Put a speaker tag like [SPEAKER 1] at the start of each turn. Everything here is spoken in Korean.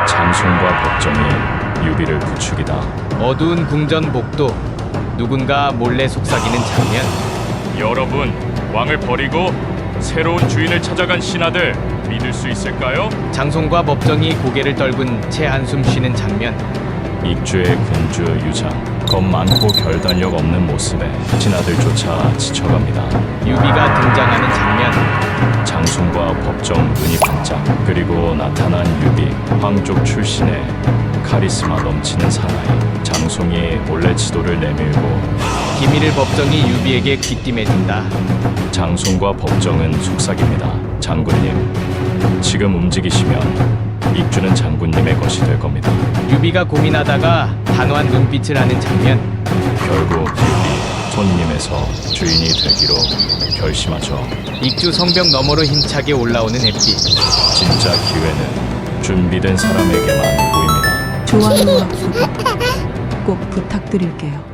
[SPEAKER 1] 장송과 법정이 유비를 부추기다.
[SPEAKER 2] 어두운 궁전 복도, 누군가 몰래 속삭이는 장면.
[SPEAKER 3] 여러분, 왕을 버리고 새로운 주인을 찾아간 신하들 믿을 수 있을까요?
[SPEAKER 2] 장송과 법정이 고개를 떨군 채 한숨 쉬는 장면.
[SPEAKER 1] 익주의 군주 유장, 겁 많고 결단력 없는 모습에 신하들조차 지쳐갑니다.
[SPEAKER 2] 유비가 등장하는 장면.
[SPEAKER 1] 장송과 법정 눈이 반짝. 그리고 나타난 유비, 황족 출신의 카리스마 넘치는 사나이. 장송이 몰래 지도를 내밀고
[SPEAKER 2] 기밀을 법정이 유비에게 귀띔해준다.
[SPEAKER 1] 장송과 법정은 속삭입니다. 장군님, 지금 움직이시면 익주는 장군님의 것이 될 겁니다.
[SPEAKER 2] 유비가 고민하다가 단호한 눈빛을 하는 장면.
[SPEAKER 1] 결국 유비, 손님에서 주인이 되기로 결심하죠.
[SPEAKER 2] 익주 성벽 너머로 힘차게 올라오는 햇빛.
[SPEAKER 1] 진짜 기회는 준비된 사람에게만 보입니다.
[SPEAKER 4] 좋아요와 구독 꼭 부탁드릴게요.